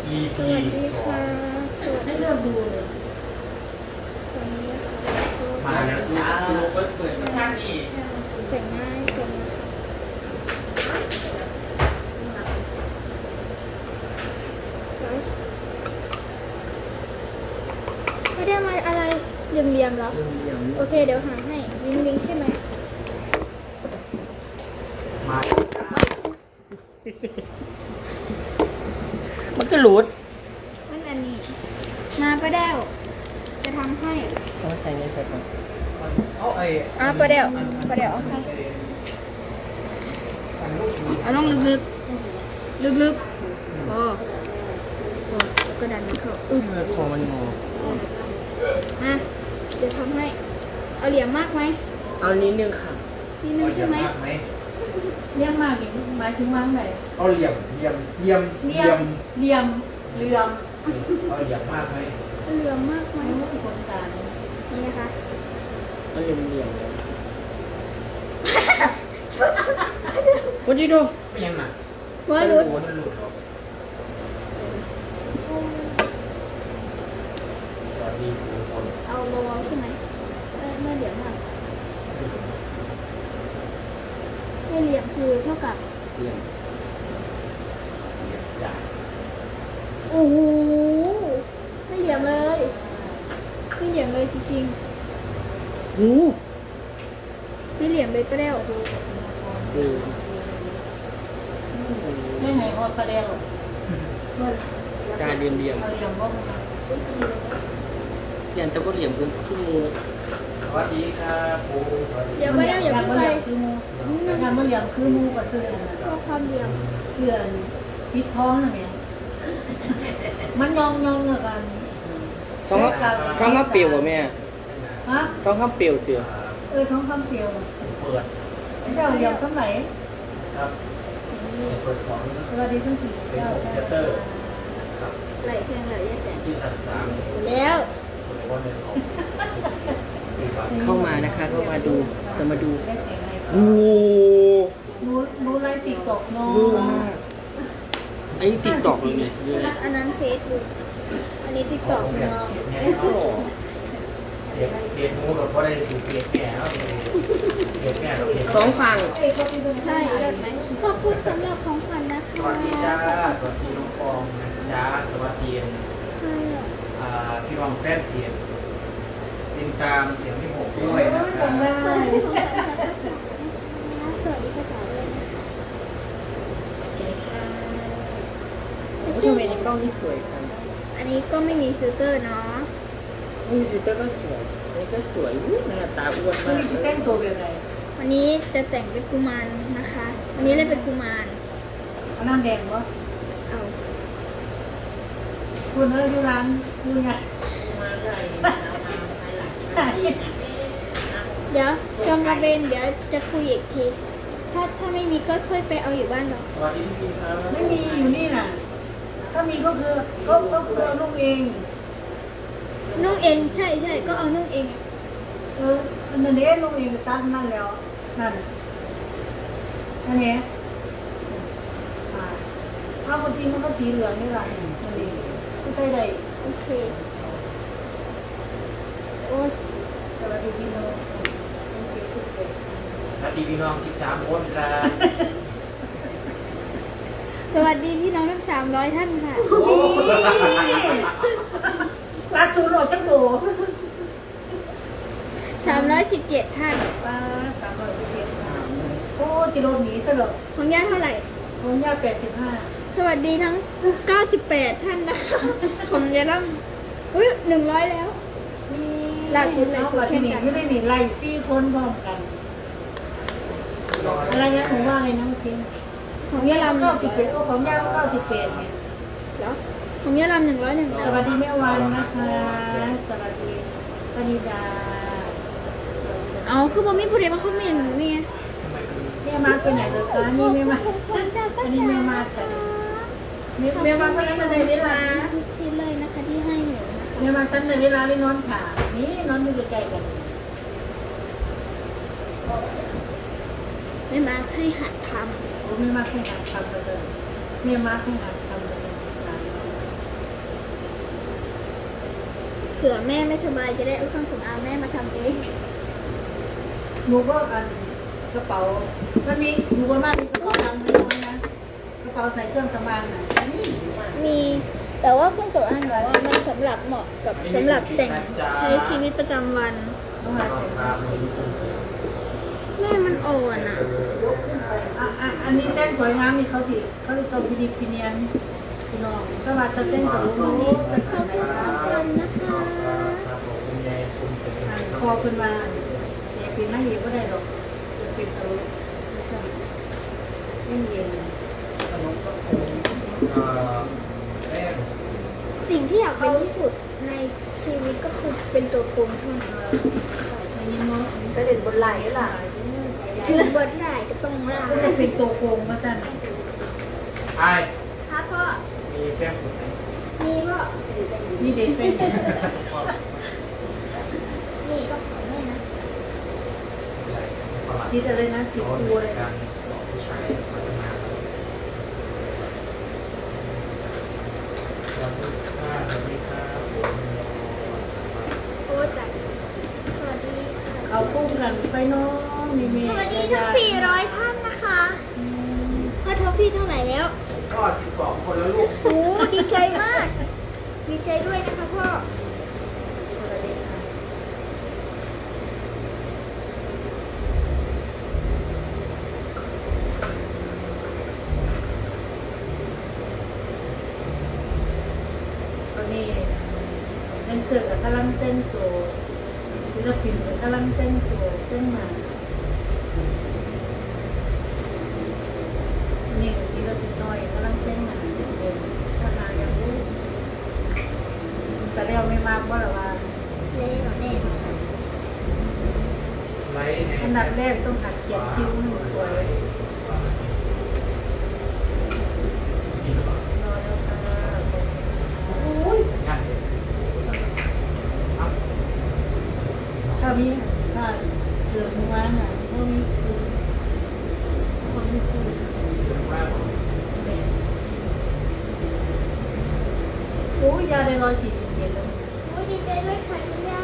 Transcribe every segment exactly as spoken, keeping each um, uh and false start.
สวัสดีค่ะสวัสดีให้เลือกดูเลยตอนนี้ค่ะมาแล้วจ้าเปิดเปิดข้างนี้แต่งหน้าให้กันนะคะไม่ได้มาอะไรเหลี่ยมๆแล้วเรื่องเรียงโอเคเดี๋ยวหาให้วิงวิงใช่ไหมมา มันก็หลุดนั่นอันนี้มาประเดวจะทำให้ต้องใส่ในใส่ก่อนเอาไอ้อ่ะประเดวประเดวเอาใส่เอาลงลึกๆลึกๆโอ้โอ้แล้วก็ดันมันเข้าอึ๊บเมื่อคอมันงออ่ะเดี๋ยวทำให้ เอาเหลี่ยมมากไหมเอานิดนึงค่ะนิดนึงใช่ไหมเลี้ยงมากอีกหมายถึงวางไหนเอาเหลี่ยมเหลี่ยมเหลี่ยมเลี้ยมเลี้ยมเลี้ยมเอาเหลี่ยมมากไหมเอาเหลี่ยมมากไหมไม่ว่าคนกลางนี่นะคะเอาเหลี่ยมเหลี่ยมเลย What you do ไม่ยังหนักว่ารุดมันหลุดหรอกสวัสดีทุกคนเอาเบาๆใช่ไหมไม่ไม่เหลี่ยมมากไม่เหลี่ยมคือเท่ากับเหลี่ยมเหลี่ยมจ่ายโอ้โหไม่เหลี่ยมเลยไม่เหลี่ยมเลยจริงหูๆไม่เหลี่ยมเลยก็แล้วเออไม่ให้ฮอดประเดี๋ยวเมื่อการเรียมเหลี่ยมเอาเลี้ยมว่ามันเหลี่ยมแต่ก็เหลี่ยมเกินชั่วโมงสวัสดีครับปูสวัสดีเดี๋ยวไม่ได้อย่าอยากเพิ่งมาไปเลี้ยมคือมูอยากมาเลี้ยมคือมูกับเสื้อนะชอบความเหลี่ยมเสื้อปิดท้องนะแม่มันยองยองละกันต้องต้องข้ามเปรียวป่ะแม่ฮะต้องข้ามเปรียวเปรียวเออท้องคำเปรียวเปิดเดี๋ยวเลี้ยมทั้งไหนครับเปิดของสวัสดีทั้งสี่สิบเซ็นเก้าโฮมเทเตอร์ครับไหลเพียงไหลแยกแต่ที่สันสามแล้วผมว่าเป็นของสี่บาทเข้ามานะคะ เข้ามาดู จะมาดูได้แต่งไงโอ้หนูหนูไลฟ์ติ๊กต็อกน้องเยอะมากไอ้ติ๊กตอกเลยเนี่ยเยอะอันนั้นเฟซบุ๊กอันนี้ติ๊กต็อกเนาะเด็กเด็กมูเราก็ได้ถูกเด็กแก่แล้วเด็กแก่เราเด็กสองฝั่งใช่เลิศไหมขอบคุณสำหรับของขวัญนะคะสวัสดีจ้าสวัสดีน้องฟองนะจ้าสวัสดีใช่อะอ่าพี่วังแฟนเปลี่ยนติดตามเสียงพี่หกด้วยนะครัจำได้ขอบคุณของขวัญนะคะสวัสดีพ่อจ๋าด้วยนะคะโอเคค่ะผู้ชมในกล้องนี่สวยกันอันนี้ก็ไม่มีฟิลเตอร์เนาะนี่ฟิลเตอร์ก็สวยอันนี้ก็สวยอุ๊ยหน้าตาอ้วนมัมาน กจะแต่งตัวเป็นไงวันนี้จะแต่งเป็นกุมารนะคะ วันนี้เล่นเป็นกุมารเอาน้ำแดงวะเอาคุณเอ้ยดูร้านดูไงเดี๋ยวจองกระเบนเดี๋ยวจะคุยอีกที ถ้าถ้าไม่มีก็ช่วยไปเอาอยู่บ้านเราสวัสดีพี่ครับไม่มีอยู่นี่น่ะ ถ้ามีก็คือก็ก็คือเอาลูกเองนุ่งเองใช่ใช่ก็เอานุ่งเองเอออันนั้นเองลูกเองตั้งนั่นแล้วนั่นนั่นเองอ่าถ้าคนจริงมันก็สีเหลืองนี่แหละนั่นเองไม่ใช่ใดโอเค โอ้ยสวัสดีพี่น้องเจ็ดสิบเอ็ดสวัสดีพี่น้องสิบสามคนครับสวัสดีพี่น้องทั้งสามร้อยท่านค่ะรักชูโรจักโดสามร้อยสิบเจ็ดท่านป้าสามร้อยสิบเอ็ดโอ้จิโรหนีซะเหรอของย่าเท่าไหร่ของย่าแปดสิบห้าสวัสดีทั้งเก้าสิบแปดท่านนะคะ ของยายล่ำอุ้ยหนึ่งร้อยแล้ว ล่าสุดเลยสุดที่นี่แข่งกันไม่ได้หนีไล่ซี่คนพร้อมกัน อะไรนะผมว่าอะไรนะเมื่อกี้ของยายล่ำเก้าสิบเอ็ดโอ้ของย่าเก้าสิบแปดเนี่ยแล้วของยายล่ำหนึ่งร้อยหนึ่งสวัสดีแม่วันนะคะ สวัสดีปณิดาสวัสดีเอาคือบ่มีผู้ใดมาคอมเมนต์เนี่ยแม่มาไปไหนเลยคะนี่แม่มาจ้าป้าอันนี้จ๋าแม่มาค่ะแม่แม่มาก็ตั้งแต่เวลาทุกชิ้นเลยนะคะที่ให้หนูนะคะแม่มาตั้งแต่เวลาเลยนอนขานี่นอนอยู่ใกล้ๆกันไม่มาให้หัดทโอ้แม่มาแข่งขันทำเปอร์เซ็นต์แม่มาแข่งขันทำเปอร์เซ็นต์ผื่อแม่ไม่สบายจะได้เอาเครื่องสำอางแม่มาทำเองหนูก็อันกระเป๋ามันมีหนูก็มากมีกระเป๋าดำไม่น้อยนะกระเป๋าใส่เครื่องสำอางน่ะนี่มีแต่ว่าเครื่องสำอางหนูว่ามันสำหรับเหมาะกับสำหรับแต่งใช้ชีวิตประจำวันต้องหาราคาเลยแม่มันอ่อนอ่ะอ่ะอ่ะอันนี้เต้นสวยงามนี่เขาดิเขาติดตัวพินิจพิเนียนพี่น้องก็ว่าจะเต้นกับลูกนี้จะขอบทำอะไรคุณนะทุกคนนะคะครับผมคุณยายคุณเสรีอันคอขึ้นมาเด็กเป็นไม่เย็นก็ได้หรอกจะเป็นทะลุไม่ใช่ไม่เย็นขนมก็โค้งเอ่อแป้งสิ่งที่อยากเป็นที่สุดในชีวิตก็คือเป็นตัวโกงเท่านั้นในนี้เนาะเสด็จบนไหลล่ะถึงบทได้ก็ต้องล่าก็จะเป็นตัวโกงมาสั่นไอ้ครับพ่อมีแป้งสุดไหมมีพ่อนี่เด็กเป็นนี่ก็ของแม่นะซีดอะไรนะสีฟูอะไรกานะรสอนผู้ชายพัฒนาครับสวัสดีครับผมโอ้จัดสวัสดีค่ะเอากุ้งกันไปน้องมีเมย์สวัสดีทั้งสี่ร้อยท่านนะคะพ่อทอฟฟี่เท่าไหร่แล้วก็สิบสองคนแล้วลูกโอ้ดีใจมาก ดีใจด้วยนะคะพ่อสวัสดีค่ะตอนนี้เล่นเสือกับกำลังเต้นตัวศิลปินกับกำลังเต้นตัวเต้นมานี่ศิลปินน้อยกำลังเต้นมาเป็นทหารยังรู้แต่เรียวไม่มากว่าหรอว่าเล่หรอแน่นอนไลฟ์ในอันดับแรกต้องหัดเขียนคิ้วให้มันสวยจริงหรือเปล่ารอแล้วค่ะโอ้ยสัญญาณเลยครับถ้ามีถ้าเกิดมือวานอ่ะก็มีคือคนไม่คือเรื่องว่าผมแม่โอ้ยยาได้ร้อยสี่สิบเจ็ดแล้วโอ้ดีใจด้วยค่ะคุณย่า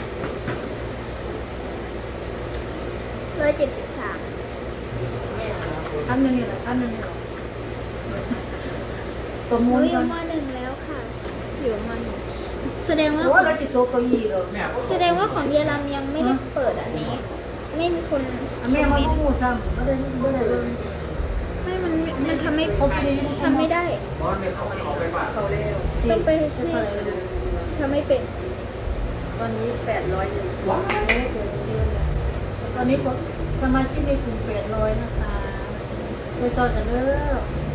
ร้อยเจ็ดสิบสามท่านนึงนี่แหละท่านนึงนี่แหละประหมูนูลอกัยู่นมหนึ่งแล้วค่ะ อยู่มหนึ่งแสดงว่าโอ้เราจิตโตเก้าอี้หรอแม่แสดงว่าของเยอรมยังไม่ได้เปิดอันนี้ ไม่มีคนอ่ะแม่มาพูดซ้ำไม่ได้ไม่ได้เลยไม่มันมันทำไม่เขาไม่ได้ทำไม่ได้บอสเนี่ยเขาเขาไปบ้านเขาเร็วต้องไปที่เท่าไหร่เลยทำไม่เป็นตอนนี้แปดร้อยหนึ่งว้าวตอนนี้สมาชิกในกลุ่มแปดร้อยนะคะซอยๆกันเด้อ